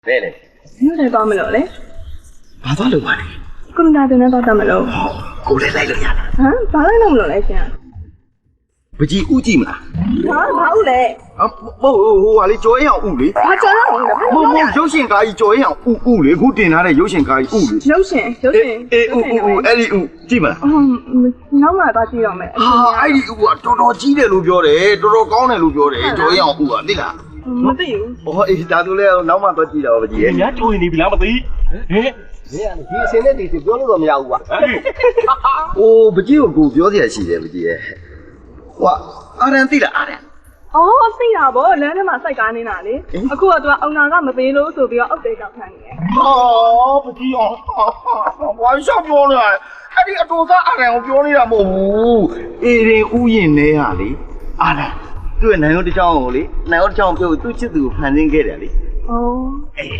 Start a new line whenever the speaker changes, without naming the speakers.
တဲ့လေ
မြို့ထဲသွားမလို့လေ
ဘာသွားလို့ပါလဲ
ကွန်ပျူတာတင်နဲ့သွားတတ်မလို့
ကိုလည်းလိုက်လို့ရလား
ဟမ်ဘာလိုက်လို့မလို့လဲရှင်
ပကြီးဥကြည့်မလား
ဟာဘာဟုတ်လဲ
ဟိုဟာလေကြော်ရင်အောင်ဥလေ
ဘာကြော်ရအောင်လဲ
မဟုတ်ရုပ်ရှင်ကားကြီးကြော်ရင်အောင်ဥလေခုတင်ထားတဲ့ရုပ်ရှင်ကားကြီးဥလေ
ရုပ်ရှင်
အေးဥအဲ့ဒီဥကြည့်မလား
နောက်မှသွားကြည့်ရမယ်
ဟာအဲ့ဒီဥကတော်တော်ကြီးတယ်လို့ပြောတယ်တော်တော်ကောင်းတယ်လို့ပြောတယ်ကြော်ရင်အောင်ဥကသိလား
မသိဘူး
ဟောအေးဒါဆိုလဲနောက်မှသွားကြည့်တာပါပကြီးရဲ့
။များကြိုးနေပြီလားမသိ။ဟဲ့
ဒီအစင်းနဲ့ဒီပြောလို့တော့မရဘူးကွာ
အိုးပကြီးကိုပြောစရာရှိတယ်ပကြီးရဲ့ဟွာအာရန်သိလားအာရန်
အော်သိတာဗောလမ်းထဲမှာစိုက်ကားနေတာလေအခုကသူကအုံနာကမပေးလို့ဆိုပြီးတော့အောက်တဲကောက်ခံနေတယ်
ဟောပကြီးအောင်ဝိုင်းရှောက်ပြောနေတာအဲ့ဒီအတူသားအာရန်ကိုပြောနေတာမဟုတ်ဘူးအေရင်ဥယျင်နေဟာလေအာရန်သူ့ရဲ့နိုင်ရောတစ်ချောင်းကိုလေနိုင်ရောတစ်ချောင်းပြုတ်သူ့ချစ်သူကိုဖန်ဆင်းခဲ့တယ်လေ
အော်